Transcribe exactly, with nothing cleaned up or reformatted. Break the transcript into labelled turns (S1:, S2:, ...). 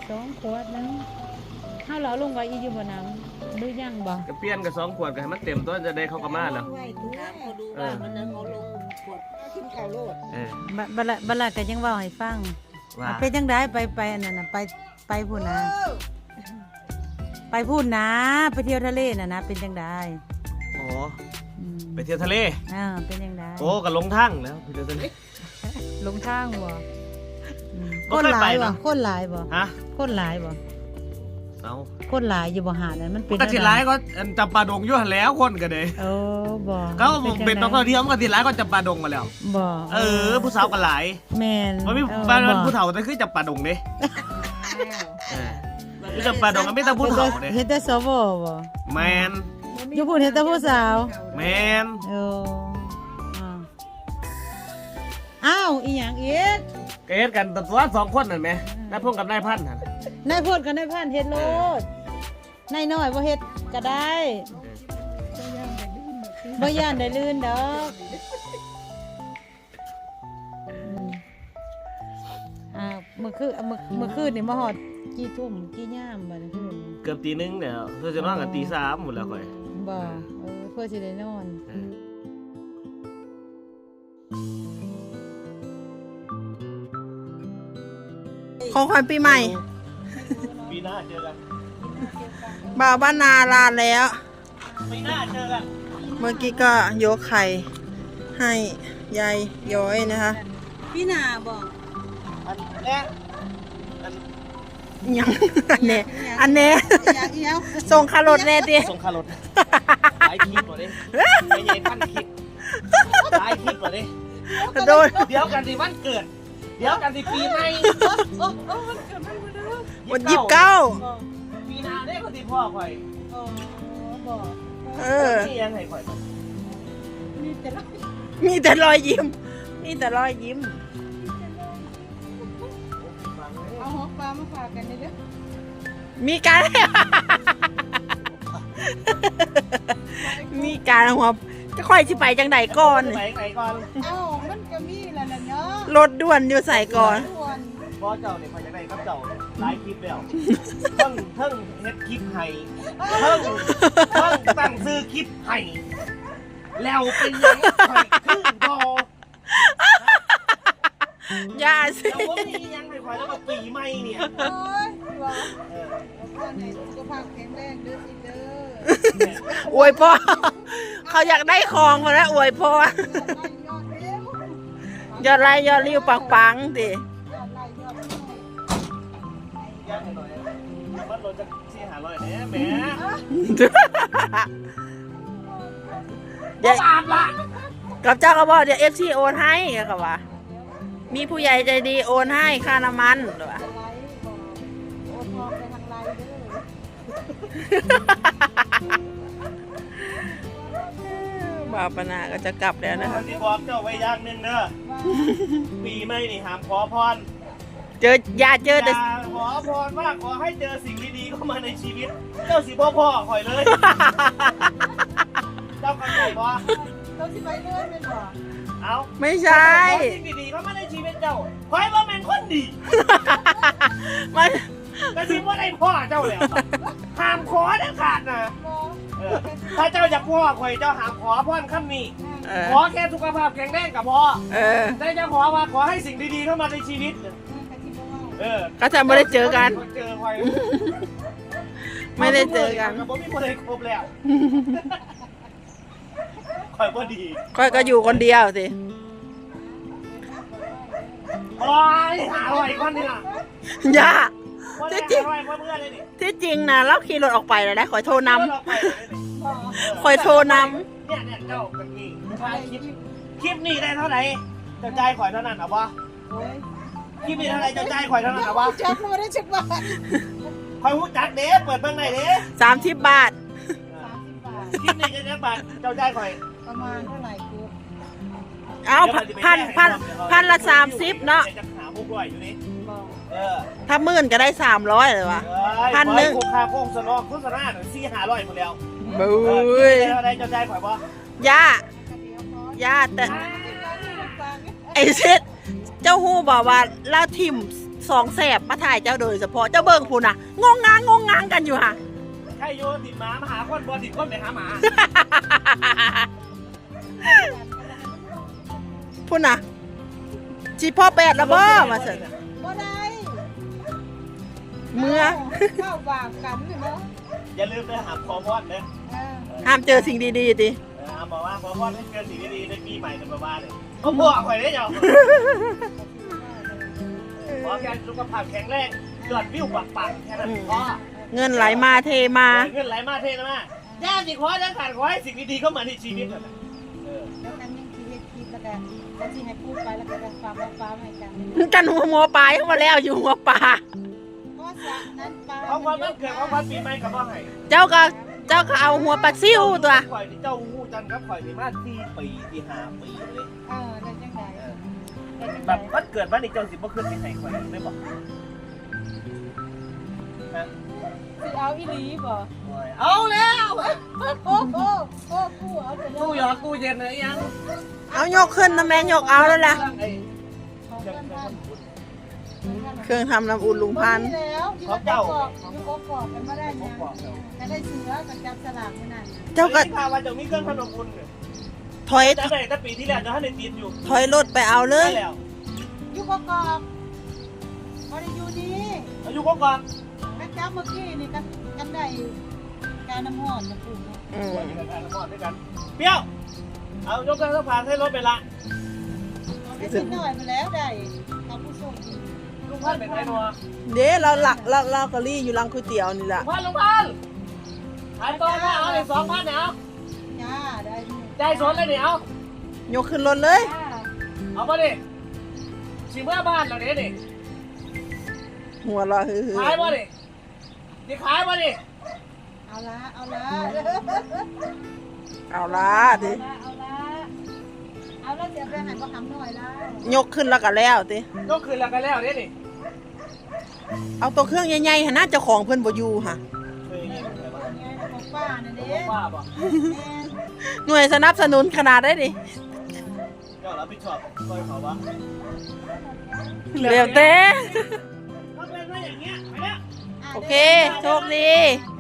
S1: สองขวดนึงเฮาเหลาลงไว้อีอยู่บ่น้ำหรือยังบ่
S2: ก็เปลี่ยนกับสองขวดก็ให้มันเต็มตัวจะได้เข้ากับมาแล้ว
S3: ถามเขาดูว่ามันนั้นเขาลงขวดกินข้าวโลด
S2: เออ
S1: บัดละบัดละก็ยังเว้าให้ฟังว่าเป็นจังได๋ไปไปอันนั้นน่ะไปไปพูดนะไปพูดนะไปเที่ยวทะเลน่ะนะเป็นจังได๋
S2: อ๋อไปเที่ยวทะเล
S1: อ่าเป็นจังได๋
S2: โอ้ก็ลงทางแล้วไปเที่ยวทะเล
S1: ลงทางบ่คนหลายบ่คนหลายบ่
S2: ฮะ
S1: คนหลายบ่
S2: เอา
S1: คนหลายอยู่บ่หาดนั้นมันเป็น
S2: ก็สิหลายก็จำปาดงอยู่หั่นแล้วคนก็เด้
S1: โอ้บ่
S2: เขาเป็นนักท่องเที่ยวมันก็สิหลายก็จำปาดงมาแล้ว
S1: บ่
S2: เออผู้สาวก็หลาย
S1: แม่น
S2: บ่มีบ้านผู้เฒ่าแต่คือจำปาดงเด้เออคือจำปาดงก็มีแต่ผู้เฒ่าเด้
S1: เฮ็ดแต่สวบ่
S2: แม่น
S1: อยู่พุ่นเฮ็ดแต่ผู้สาว
S2: แม่น
S1: โอ้อ้าวอีหยังอีก
S2: ก็เฮ็ดกันตัวสองคนนั่นแหมนายพงกับนายพันธุ์หั่น
S1: นายพูดกับนายพันเฮ็ดโลดนายน้อยบ่เฮ็ดก็ได้บ่ย่านได้ลื่นดอกอ่าเมื่อคืนเมื่อเมื่อคืนนี่มาฮอดกี่ทุ่มกี่ยามบัดนี้คืน
S2: เกือบตีหนึ่งเดี๋ยวเพื่อจะนอนกันตีสามหมดแล้วค่อย
S1: บ่เออเพื่อสิได้นอน
S3: ของขวัญปีใหม่
S2: ปีหน้าเจอกัน
S3: บ่าวบ้านนาลาแล้ว
S2: ปีหน้าเจอกัน
S3: เมื่อกี้ก็ยกไข่ให้ยายย้อยนะคะพี่นาบอก
S2: อันแน่อัน
S3: ยังอันเน่อันเน่ส่งคารถแน่ดิ
S2: ส่งคารถหลายคลิปหมดเลยไม่ใช่พันคลิปหลายคลิปหมดเลย
S3: โดน
S2: เดี๋ยวกันสิวันเกิดเดี๋ยวกันสิปีใหม่
S3: วันยี่สิบเก้า
S2: ปีหน้าได้คนที่พ่อข่อย
S3: เออ
S2: นี่ยังไงข่อย
S3: มีแต่รอยยิ้มมีแต่รอยยิ้ม
S1: เอาหัวปลามาฝากกันได้เด้อ
S3: มีการมีการหัวจะค่อยสิไปจังใดก่อน
S2: ไปไหนก่อน
S1: เอ้ามันก็มีแล้วล่ะเนาะ
S3: รถด่วนอยู่ใส่ก่อน
S2: พ่อเจ้าเนี่ยไปจังใดครับเจ้าหลายคลิปแล้วเพิ่งเพิ่งเฮ็ดคลิปให้เพิ่งเพิ่งตั้งซื้อคลิปให้แล้วเป็นยังไงคือบ่
S3: อย่าสิ
S2: แล้วว่ามียังไงข่อยแล้วก็ปีใหม่เนี่ย
S1: โอ้ยว่าเออพ่อให้สุขภาพแข็งแรงเด้อสิเด้อ
S3: อวยพ่อเขาอยากได้ของมาแล้วอวยพ่อยอดไล่ยอดริ้วปังๆดิ
S2: ย่างหน่อยมันรถจะสี่หาร้อยเนี่ยแหม
S3: เดี๋ยวกับเจ้าก็บอกเดี๋ยวเอฟซีโอนให้กับว่ามีผู้ใหญ่ใจดีโอนให้ค่าน้ำมันหรือว่าบ่าวปนาก็จะกลับแล้วนะคะ
S2: ที่บอกเจ้าไว้อย่างหนึ่งเนอะปีใหม่นี่ห้ามขอพร
S3: เจออย่าเจอแต่
S2: ขอพรว่าขอให้เจอสิ่งดีๆเข้ามาในชีวิตเจ้าสิพ่อพ่อคอยเลยเจ้ากันไหนบ่
S1: เจ้าสิไปเลยเป็นบ่
S2: เอา
S3: ไม่ใช่
S2: สิ่งดีๆเข้ามาในชีวิตเจ้าคอยว่าเป็นคนดี
S3: มัน
S2: กระซิบว่าได้พ่อเจ้าแล้วห้ามขอเด็ดขาดนะถ้าเจ้าอยากพ่อคอยเจ้าห้ามขอพรคำนี้ขอแค่สุขภาพแข็งแรงกับพ่อได้จะขอว่าขอให้สิ่งดีๆเข้ามาในชีวิตเออ
S3: ก็จะไม่ได้เจอกัน
S2: เจอคอย
S3: ไม่ได้เจอกัน
S2: ผมมีคนเลยครบแล้วคอยก็ดี
S3: คอยก็อยู่คนเดียวสิ
S2: โอ้ยหาอร่อยคนนี่ล่ะ
S3: อย่าที่จริงที่จริงนะเราขี่รถออกไปเลยนะคอยโทรนำคอยโทรน
S2: ำเนี่ยเนี่ยเจ้ากันนี่คลิปคลิปนี้ได้เท่าไหร่เจ้าใจคอยเท่านั้นหรอวะคลิปนี้เท่าไหร่เจ้าใจคอยเท่านั้นหรอวะ
S1: จักมาได้จักบาท
S2: คอยหูจักเด้เปิดเบื้องไหนเด้
S3: สามสิบบาท
S2: คลิปนี้จะจักบาทเจ้าใจคอย
S1: ประมาณเท่าไหร่กู
S3: เอาพันพันพันละสามสิบเนาะถ้าหมื่นก็ได้สามร้อยเลยวะพันหนึ่ง
S2: ค่าโฆษณาโฆษณาหน่อยสี่ห้าร้อยหมดแล้ว
S3: บุ้ย
S2: อะไรเจ้าใจข่อยบ่
S3: ย่าย่าแต่ไอเซ็ตเจ้าฮู้บอกว่าเราทิมสองแสบมาถ่ายเจ้าโดยเฉพาะเจ้าเบิ่งพูนน่ะงงงางงงงางกันอยู่ค่ะ
S2: ใครโยนติดหมามาหาคนบอติดคนไปหาหมา
S3: พูนน่ะจีพ่อแปดแล้วบ่มาเสร็จ
S4: บ่ได้
S3: เมื่อ
S4: เข้าบากกันนี่เนาะ
S2: อย่าลืมไปหาพอพอนเด้อ
S4: เออ
S3: ห้ามเจอสิ่งดีๆติ
S2: เออบอกว่าพอพอนให้เกินสิ่งดีๆในปีใหม่จะมาบ้านเลยเขาบอกข่อยได้ยังขอแค่สุขภาพแข็งแรงยอดวิวปังๆแค่นั้นพอ
S3: เงินไหลมาเทมา
S2: เงินไหลมาเทนะมาย่าสิขอเด้อขาดขอให้สิ่งดีๆเข้ามาในชีวิตนั่นแหละเออ
S4: แล้วกันยังคิดคิดแล้วก็แล้วที่ให้พูดไปแล้วก็ฝากฟ้าให้กัน
S3: กันหัวหัวปลาเข้ามาแล้วอยู่หัวปลา
S4: เพราะสระนั้นปลา
S2: ของความมันเกิดของความปีใหม่กับว่าไง
S3: เจ้าก็เจ้าก็เอาหัวปลาซิ่วตัว
S2: ข่อยที่เจ้าหูจันครับข่อยที่มาสี่ปีที่ห้าปีเลย
S4: เออได้จังได๋ได้จัง
S2: แบ
S4: ได๋
S2: บมันเกิดมาในเจ้าสิบ่ขึ้นที่ไหนข่อยไม่บอกฮะ
S4: สิเอาอีหลีบ่
S2: เอาแล้ว
S4: โอ้โหโอ้กูเอาไปแล้
S2: ตู้
S4: ว
S2: หยอดตู้เย็นเลยยัง
S3: เอายกขึ้นนะแม่ยกเอาแล้วล่ะ
S2: ไอ้
S4: ของเพื่อนบ้าน
S3: เครื่องทำน้ำอุ่นลุงพันธุ์
S4: แล้วที่เขาบอกอยู่กกอกกันมาได้ยังก็ได้เสือกับจับสลากมื้อนั้น
S3: เจ้าก็
S2: พาวันเจ้ามีเครื่องขนมอุ่นเนี่ย
S3: ถอย
S2: แต่ไหนแต่ปีที่แล้วเจ้าท่านได้ติดอยู่
S3: ถอยรถไปเอาเลย
S2: ได้แล้ว
S4: อยู่กกอกบ่ได้อยู่นี่
S2: อายุก็ก่อน
S4: ก็จับเมื่อกี้นี่ก็กันได้การน้ำห้อนนะปู่เนาะ
S3: อืม
S2: วันนี้กันกันด้วยกันเปรี้ยวเอายกเครื่องสะพานให้รถไปละ
S4: ได้สิหน่อยมาแล้วได้เอาผู้ส่งอีก
S2: ลุงพันเป็นไงนัว
S3: เด้เราหลักเราเรากะลี่อยู่รังก๋วยเตี๋ยวนี่แห
S2: ลุ
S3: ละ
S2: งพันลุงพันขายตัวนะเอาเลยสองพันเนี่ยเอา
S4: จ้าได้นี่
S2: ใจสนเลยเนี่ยเอา
S3: ยกขึ้นรถเลย
S4: จ้า
S2: เอามาดิสิเมื่อบ้านเราเนี่ยดิ
S3: หัวเราะฮือ
S2: ขายมาดิดิขายมาดิ
S4: เอาละเอาละ
S3: เอาละดิ
S4: เอาละเอาละเดี๋ยวไปหาก็ทำหน่อยละ
S3: ยกขึ้นแล้วก็แล้วติ
S2: ยกคืนแล้วกันแล้วเนี่ยดิ
S3: เอาตัวเครื่องใหญ่ๆหน่าเจ้าของเพิ่นบ่อยู่ค่ะ
S2: เคยยินอะไรบ้าง
S4: ไงของป้าน่ะเด้
S2: ป้าบอก
S4: แม่
S3: หน่วยสนับสนุนขนาดได้ดิ
S2: ก็รับผิดชอบคอยเขาวะ
S3: เร็วเต้
S2: ถ้าเป็นว่าอย่างเงี้ยไปแล้ว
S3: โอเค โชคดี